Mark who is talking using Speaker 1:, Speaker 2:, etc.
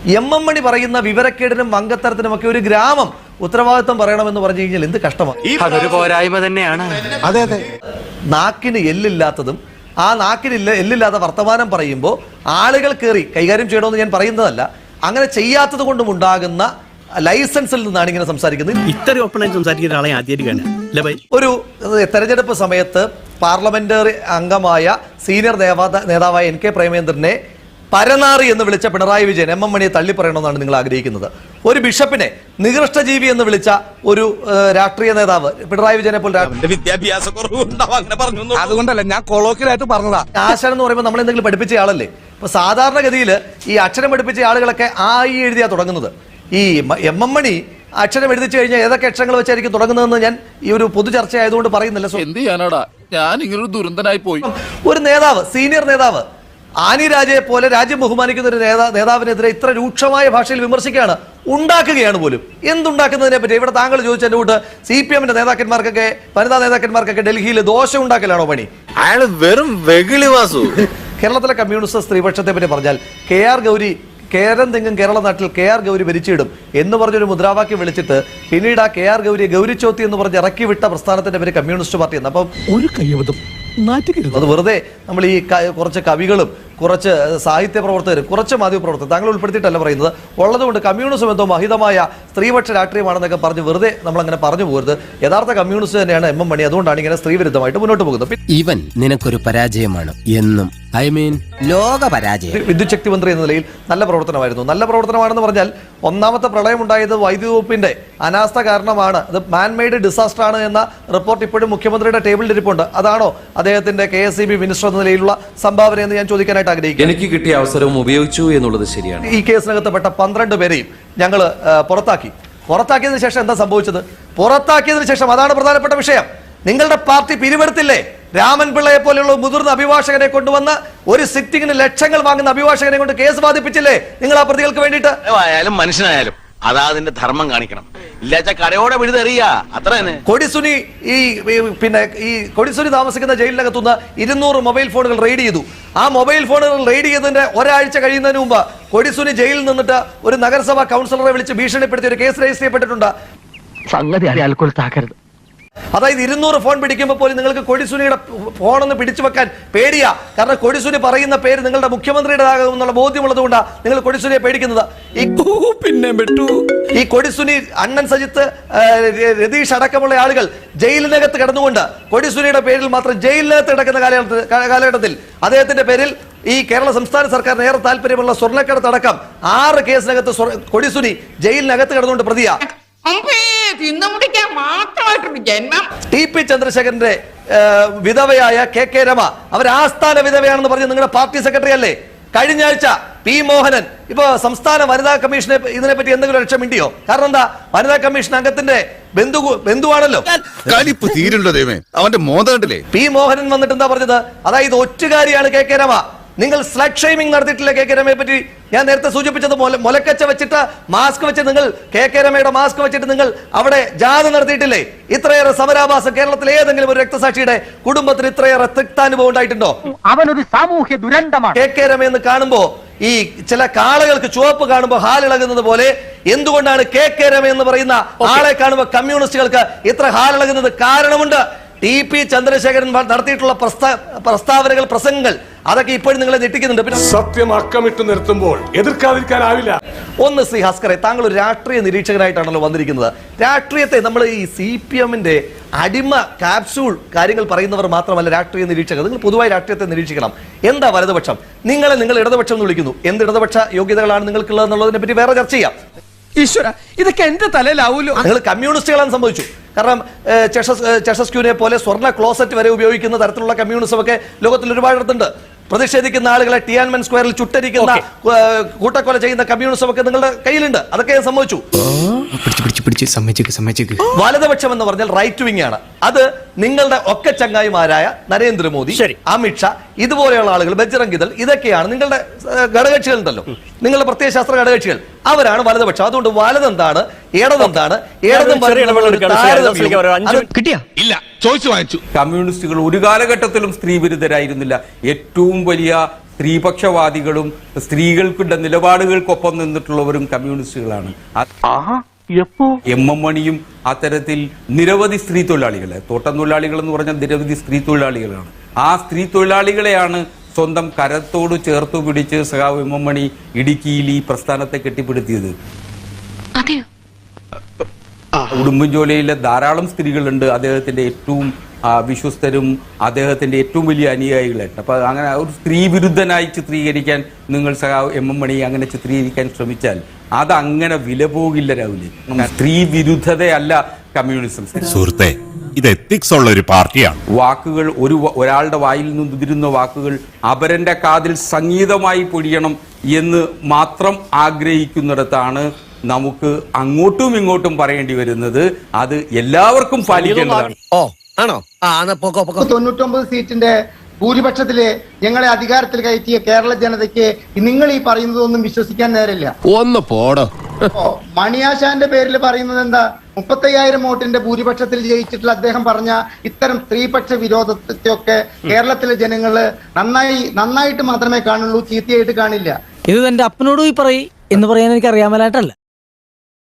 Speaker 1: M മണി പറയുന്ന വിവരക്കേടിനും മംഗത്തരത്തിനുമൊക്കെ ഒരു ഗ്രാമം ഉത്തരവാദിത്വം പറയണമെന്ന് പറഞ്ഞു കഴിഞ്ഞാൽ എന്ത് കഷ്ടമാണ്.
Speaker 2: അതൊരു പോരായ്മ തന്നെയാണ്.
Speaker 3: അതെ അതെ,
Speaker 1: നാക്കിന് എല്ലില്ലാത്തതും ആ നാക്കിന് എല്ലില്ലാത്ത വർത്തമാനം പറയുമ്പോൾ ആളുകൾ കയറി കൈകാര്യം ചെയ്യണമെന്ന് ഞാൻ പറയുന്നതല്ല, അങ്ങനെ ചെയ്യാത്തത് കൊണ്ടും ഉണ്ടാകുന്ന ലൈസൻസിൽ നിന്നാണ് ഇങ്ങനെ സംസാരിക്കുന്നത്.
Speaker 4: ഇത്ര ഓപ്പണായി സംസാരിക്കുന്ന ആളെ ആദ്യമായിട്ട്
Speaker 1: ഒരു തെരഞ്ഞെടുപ്പ് സമയത്ത് പാർലമെന്ററി അംഗമായ സീനിയർ നേതാവായ NK പ്രേമേന്ദ്രനെ പരനാറി എന്ന് വിളിച്ച പിണറായി വിജയൻ എം മണിയെ തള്ളിപ്പറയണമെന്നാണ് നിങ്ങൾ ആഗ്രഹിക്കുന്നത്. ഒരു ബിഷപ്പിനെ നികൃഷ്ടജീവി എന്ന് വിളിച്ച ഒരു രാഷ്ട്രീയ നേതാവ് പിണറായി വിജയനെ പോലെ
Speaker 3: വിദ്യാഭ്യാസ അതുകൊണ്ടല്ല ഞാൻ കൊളോക്കിലായിട്ട് പറഞ്ഞതാ.
Speaker 1: ആശാൻ എന്ന് പറയുമ്പോൾ നമ്മൾ എന്തെങ്കിലും പഠിപ്പിച്ച ആളല്ലേ. ഇപ്പൊ സാധാരണഗതിയിൽ ഈ അക്ഷരം പഠിപ്പിച്ച ആളുകളൊക്കെ എഴുതിയാ തുടങ്ങുന്നത്. ഈ എം മണി അക്ഷരം എഴുതിച്ചു കഴിഞ്ഞാൽ ഏതൊക്കെ അക്ഷരങ്ങൾ വെച്ചായിരിക്കും തുടങ്ങുന്നതെന്ന് ഞാൻ ഈ ഒരു പൊതു ചർച്ച ആയതുകൊണ്ട് പറയുന്നില്ല.
Speaker 5: എന്ത് ചെയ്യാനാടാ, ഞാൻ ഇങ്ങനൊരു ദുരന്തനായി പോയി.
Speaker 1: ഒരു നേതാവ്, സീനിയർ നേതാവ് ആനി രാജയെ പോലെ രാജ്യം ബഹുമാനിക്കുന്ന ഒരു നേതാവിനെതിരെ ഇത്ര രൂക്ഷമായ ഭാഷയിൽ വിമർശിക്കുകയാണ്, ഉണ്ടാക്കുകയാണ് പോലും. എന്തുണ്ടാക്കുന്നതിനെ പറ്റി ഇവിടെ താങ്കൾ ചോദിച്ചതിന്റെ കൂട്ട് CPM-ന്റെ നേതാക്കന്മാർക്കൊക്കെ വനിതാ നേതാക്കന്മാർക്കൊക്കെ ഡൽഹിയിൽ ദോശ ഉണ്ടാക്കലാണോ പണി?
Speaker 2: അയാൾ വെറും വെകിളി വാസു.
Speaker 1: കേരളത്തിലെ കമ്മ്യൂണിസ്റ്റ് സ്ത്രീപക്ഷത്തെ പറ്റി പറഞ്ഞാൽ KR ഗൗരി കേരം തെങ്ങും കേരള നാട്ടിൽ KR ഗൗരി ഭരിച്ചിടും എന്ന് പറഞ്ഞൊരു മുദ്രാവാക്യം വിളിച്ചിട്ട് പിന്നീട് ആ KR ഗൗരിയെ ഗൗരിച്ചോത്തി എന്ന് പറഞ്ഞ് ഇറക്കി വിട്ട പ്രസ്ഥാനത്തിന്റെ പേര് കമ്മ്യൂണിസ്റ്റ് പാർട്ടി എന്ന്. അപ്പം
Speaker 3: ഒരു കയ്യബദ്ധം
Speaker 1: അത് വെറുതെ നമ്മൾ ഈ കുറച്ച് കവികളും കുറച്ച് സാഹിത്യ പ്രവർത്തകരും കുറച്ച് മാധ്യമ പ്രവർത്തകർ താങ്കൾ ഉൾപ്പെടുത്തിയിട്ടല്ല പറയുന്നത്, ഉള്ളതുകൊണ്ട് കമ്മ്യൂണിസം എന്തോ മഹിതമായ സ്ത്രീപക്ഷ രാഷ്ട്രീയമാണെന്നൊക്കെ പറഞ്ഞ് വെറുതെ നമ്മളങ്ങനെ പറഞ്ഞു പോകരുത്. യഥാർത്ഥ കമ്മ്യൂണിസ്റ്റ് തന്നെയാണ് എം മണി. അതുകൊണ്ടാണ് ഇങ്ങനെ സ്ത്രീവിരുദ്ധമായിട്ട് മുന്നോട്ട് പോകുന്നത്.
Speaker 6: ഇവൻ നിനക്കൊരു പരാജയമാണ് എന്നും, ഐ മീൻ ലോക പരാജയം.
Speaker 1: വിദ്യുത് ശക്തി മന്ത്രി എന്ന നിലയിൽ നല്ല പ്രവർത്തനമായിരുന്നു. നല്ല പ്രവർത്തനമാണെന്ന് പറഞ്ഞാൽ ഒന്നാമത്തെ പ്രളയം ഉണ്ടായത് വൈദ്യുതി വകുപ്പിന്റെ അനാസ്ഥ കാരണമാണ്, അത് മാൻമെയ്ഡ് ഡിസാസ്റ്റർ ആണ് എന്ന റിപ്പോർട്ട് ഇപ്പോഴും മുഖ്യമന്ത്രിയുടെ ടേബിളിൽ ഇരിപ്പുണ്ട്. അതാണോ അദ്ദേഹത്തിന്റെ KSEB മിനിസ്റ്റർ എന്ന നിലയിലുള്ള സംഭാവന എന്ന് ഞാൻ ചോദിക്കാനായിട്ട് ആഗ്രഹിക്കുന്നു.
Speaker 7: എനിക്ക് കിട്ടിയ അവസരവും ഉപയോഗിച്ചു എന്നുള്ളത് ശരിയാണ്.
Speaker 1: ഈ കേസിനകത്തപ്പെട്ട 12 പേരെയും ഞങ്ങൾ പുറത്താക്കിയതിനു ശേഷം എന്താ സംഭവിച്ചത്? പുറത്താക്കിയതിനു ശേഷം അതാണ് പ്രധാനപ്പെട്ട വിഷയം. നിങ്ങളുടെ പാർട്ടി പിരിവെടുത്തില്ലേ? രാമൻ പിള്ളയെ പോലെയുള്ള മുതിർന്ന അഭിഭാഷകനെ കൊണ്ടുവന്ന് ഒരു സിറ്റിംഗിന് ലക്ഷങ്ങൾ വാങ്ങുന്ന അഭിഭാഷകനെ കൊണ്ട് കേസ് വാദിപ്പിച്ചില്ലേ നിങ്ങൾ ആ പ്രതികൾക്ക് വേണ്ടിയിട്ട്?
Speaker 2: മനുഷ്യനായാലും അതാ അതിന്റെ ധർമ്മം കാണിക്കണം. ഇല്ലാച്ച കരയോടെ വിഴുതെറിയാ അത്ര തന്നെ.
Speaker 1: കൊടിസുനി ഈ കൊടിസുനി താമസിക്കുന്ന ജയിലിനകത്തുനിന്ന് 200 മൊബൈൽ ഫോണുകൾ റെയ്ഡ് ചെയ്തു. ആ മൊബൈൽ ഫോണുകൾ റെയ്ഡ് ചെയ്തതിന്റെ ഒരാഴ്ച കഴിയുന്നതിന് മുമ്പ് കൊടിസുനി ജയിലിൽ നിന്നിട്ട് ഒരു നഗരസഭാ കൗൺസിലറെ വിളിച്ച് ഭീഷണിപ്പെടുത്തി ഒരു കേസ് രജിസ്റ്റർ ചെയ്യപ്പെട്ടിട്ടുണ്ട്. അതായത് 200 ഫോൺ പിടിക്കുമ്പോൾ പോലും നിങ്ങൾക്ക് കൊടിസുനിയുടെ ഫോണൊന്ന് പിടിച്ചു വെക്കാൻ പേടിയാ. കാരണം കൊടിസുനി പറയുന്ന പേര് നിങ്ങളുടെ മുഖ്യമന്ത്രിയുടേതാകുമെന്നുള്ള ബോധ്യമുള്ളത് കൊണ്ടാണ് നിങ്ങൾ കൊടിസുനിയെ പേടിക്കുന്നത്. ഈ കൊടിസുനി, അണ്ണൻ സജിത്ത്, രതീഷ് അടക്കമുള്ള ആളുകൾ ജയിലിനകത്ത് കിടന്നുകൊണ്ട് കൊടിസുനിയുടെ പേരിൽ മാത്രം ജയിലിനകത്ത് കിടക്കുന്ന കാലഘട്ടത്തിൽ അദ്ദേഹത്തിന്റെ പേരിൽ ഈ കേരള സംസ്ഥാന സർക്കാരിന് ഏറെ താല്പര്യമുള്ള സ്വർണ്ണക്കടത്തടക്കം 6 കേസിനകത്ത് കൊടിസുനി ജയിലിനകത്ത് കിടന്നുകൊണ്ട് പ്രതിയാ. TP ചന്ദ്രശേഖരന്റെ വിധവയായ KK രമ അവർ ആസ്ഥാന വിധവയാണെന്ന് പറഞ്ഞ് നിങ്ങളുടെ പാർട്ടി സെക്രട്ടറി അല്ലേ? കഴിഞ്ഞ ആഴ്ച P മോഹനൻ ഇപ്പൊ സംസ്ഥാന വനിതാ കമ്മീഷനെ ഇതിനെപ്പറ്റി എന്തെങ്കിലും ലക്ഷ്യം മിണ്ടിയോ? കാരണം എന്താ, വനിതാ കമ്മീഷൻ അംഗത്തിന്റെ ബന്ധുവാണല്ലോ. അവന്റെ മോദണ്ടല്ലേ P മോഹനൻ വന്നിട്ട് എന്താ പറഞ്ഞത്? അതായത് ഒറ്റുകാരിയാണ് KK രമ. നിങ്ങൾ സ്ലഗ് ഷെയ്മിംഗ് നടത്തിയിട്ടില്ല KK രമയെ പറ്റി. ഞാൻ നേരത്തെ സൂചിപ്പിച്ചത് മുലക്കച്ച വെച്ചിട്ട് മാസ്ക് വെച്ച് നിങ്ങൾ KK രമയുടെ മാസ്ക് വെച്ചിട്ട് നിങ്ങൾ അവിടെ ജാഥ നടത്തിയിട്ടില്ലേ? ഇത്രയേറെ സമരാഭാസം കേരളത്തിലെ ഏതെങ്കിലും ഒരു രക്തസാക്ഷിയുടെ കുടുംബത്തിന് ഇത്രയേറെ തിക്താനുഭവം ഉണ്ടായിട്ടുണ്ടോ?
Speaker 8: അവനൊരു സാമൂഹ്യ ദുരന്തമാണ്.
Speaker 1: KK രമയെന്ന് കാണുമ്പോ ഈ ചില കാളകൾക്ക് ചുവപ്പ് കാണുമ്പോൾ ഹാലിളകുന്നത് പോലെ എന്തുകൊണ്ടാണ് KK രമ എന്ന് പറയുന്ന ആളെ കാണുമ്പോൾ കമ്മ്യൂണിസ്റ്റുകൾക്ക് ഇത്ര ഹാലിളകുന്നത്? കാരണമുണ്ട്. TP ചന്ദ്രശേഖരൻ നടത്തിയിട്ടുള്ള പ്രസ്താവനകൾ, പ്രസംഗങ്ങൾ അതൊക്കെ ഇപ്പോഴും നിങ്ങളെ ഞെട്ടിക്കുന്നുണ്ട്. പിന്നെ
Speaker 9: സത്യം അക്കമിട്ട് നിർത്തുമ്പോൾ എതിർക്കാതിരിക്കാനാവില്ല.
Speaker 1: ഒന്ന് ശ്രീ ഹസ്കറെ, താങ്കൾ ഒരു രാഷ്ട്രീയ നിരീക്ഷകനായിട്ടാണല്ലോ വന്നിരിക്കുന്നത്. രാഷ്ട്രീയത്തെ നമ്മൾ ഈ CPM-ന്റെ അടിമ ക്യാപ്സ്യൂൾ കാര്യങ്ങൾ പറയുന്നവർ മാത്രമല്ല രാഷ്ട്രീയ നിരീക്ഷകർ. നിങ്ങൾ പൊതുവായി രാഷ്ട്രീയത്തെ നിരീക്ഷിക്കണം. എന്താ വലതുപക്ഷം? നിങ്ങൾ ഇടതുപക്ഷം എന്ന് വിളിക്കുന്നു. എന്ത് ഇടതുപക്ഷ യോഗ്യതകളാണ് നിങ്ങൾക്കുള്ളത് എന്നുള്ളതിനെ പറ്റി വേറെ ചർച്ച ചെയ്യാം.
Speaker 3: ഈശ്വര, ഇതൊക്കെ എന്റെ തലയിലാവൂലോ.
Speaker 1: നിങ്ങൾ കമ്മ്യൂണിസ്റ്റുകളാണ് സംഭവിച്ചു. കാരണം ചെഷസ്ക്യൂനെ പോലെ സ്വർണ്ണ ക്ലോസറ്റ് വരെ ഉപയോഗിക്കുന്ന തരത്തിലുള്ള കമ്മ്യൂണിസം ഒക്കെ ലോകത്തിൽ ഒരുപാടിടത്തുണ്ട്. പ്രതിഷേധിക്കുന്ന ആളുകളെ ടിയാൻമെൻ സ്ക്വയറിൽ ചുട്ടരിക്കുന്ന കൂട്ടക്കൊല ചെയ്യുന്ന കമ്മ്യൂണിസം ഒക്കെ നിങ്ങളുടെ കയ്യിലുണ്ട്. അതൊക്കെ സംഭവിച്ചു. വലതുപക്ഷം എന്ന് പറഞ്ഞാൽ റൈറ്റ് വിങ് ആണ്. അത് നിങ്ങളുടെ ഒക്കെ ചങ്ങായിമാരായ നരേന്ദ്രമോദി, അമിത്ഷാ, ഇതുപോലെയുള്ള ആളുകൾ, ബജ്റംഗ് ദൾ, ഇതൊക്കെയാണ് നിങ്ങളുടെ ഘടകകക്ഷികൾ ഉണ്ടല്ലോ, നിങ്ങളുടെ പ്രത്യയശാസ്ത്ര ഘടകകക്ഷികൾ. അവരാണ് വലതുപക്ഷം. അതുകൊണ്ട് വലതെന്താണ്, ഇടതെന്താണ്,
Speaker 3: കമ്മ്യൂണിസ്റ്റുകൾ ഒരു കാലഘട്ടത്തിലും സ്ത്രീ വിരുദ്ധരായിരുന്നില്ല. ഏറ്റവും വലിയ
Speaker 10: സ്ത്രീപക്ഷവാദികളും സ്ത്രീകൾക്കുള്ള നിലപാടുകൾക്കൊപ്പം നിന്നിട്ടുള്ളവരും കമ്മ്യൂണിസ്റ്റുകളാണ്. എം മണിയും അത്തരത്തിൽ നിരവധി സ്ത്രീ തൊഴിലാളികളെ, തോട്ടം തൊഴിലാളികൾ എന്ന് പറഞ്ഞാൽ നിരവധി സ്ത്രീ തൊഴിലാളികളാണ്. ആ സ്ത്രീ തൊഴിലാളികളെയാണ് സ്വന്തം കരത്തോട് ചേർത്തു പിടിച്ച് സഖാവ് എം മണി ഇടുക്കിയിൽ ഈ പ്രസ്ഥാനത്തെ കെട്ടിപ്പടുത്തിയത്. ഉടുമ്പൻചോലയിലെ ധാരാളം സ്ത്രീകളുണ്ട് അദ്ദേഹത്തിന്റെ ഏറ്റവും വിശ്വസ്തരും അദ്ദേഹത്തിന്റെ ഏറ്റവും വലിയ അനുയായികളായിട്ട്. അപ്പൊ അങ്ങനെ ഒരു സ്ത്രീ വിരുദ്ധനായി ചിത്രീകരിക്കാൻ നിങ്ങൾ സഖാവ് എം മണി അങ്ങനെ ചിത്രീകരിക്കാൻ ശ്രമിച്ചാൽ അതങ്ങനെ വില പോകില്ല രാഹുലേ. സ്ത്രീ വിരുദ്ധതയല്ല കമ്മ്യൂണിസം.
Speaker 11: സുഹൃത്തെ, ഇത് എത്തിക്സ് ഉള്ള ഒരു പാർട്ടിയാണ്.
Speaker 10: വാക്കുകൾ ഒരാളുടെ വായിൽ നിന്ന് ഉതിരുന്ന വാക്കുകൾ അപരന്റെ കാതിൽ സംഗീതമായി പൊഴിയണം എന്ന് മാത്രം ആഗ്രഹിക്കുന്നിടത്താണ് നമുക്ക് അങ്ങോട്ടും ഇങ്ങോട്ടും പറയേണ്ടി വരുന്നത്. അത് എല്ലാവർക്കും പാലിക്കേണ്ടതാണ്.
Speaker 8: 99 സീറ്റിന്റെ ഭൂരിപക്ഷത്തില് ഞങ്ങളെ അധികാരത്തിൽ കയറ്റിയ കേരള ജനതയ്ക്ക് നിങ്ങൾ ഈ പറയുന്നതൊന്നും വിശ്വസിക്കാൻ നേരില്ല.
Speaker 3: ഒന്ന് പോടോ.
Speaker 8: മണിയാശാന്റെ പേരിൽ പറയുന്നത് എന്താ? 35,000 വോട്ടിന്റെ ഭൂരിപക്ഷത്തിൽ ജയിച്ചിട്ടുള്ള അദ്ദേഹം പറഞ്ഞ ഇത്തരം സ്ത്രീപക്ഷ വിരോധത്തെയൊക്കെ കേരളത്തിലെ ജനങ്ങള് നന്നായിട്ട് മാത്രമേ കാണുള്ളൂ, ചീത്തയായിട്ട് കാണില്ല.
Speaker 6: ഇത് എന്റെ അപ്പനോട് പോയി പറയും എന്ന് പറയാൻ എനിക്ക് അറിയാമലായിട്ടല്ല.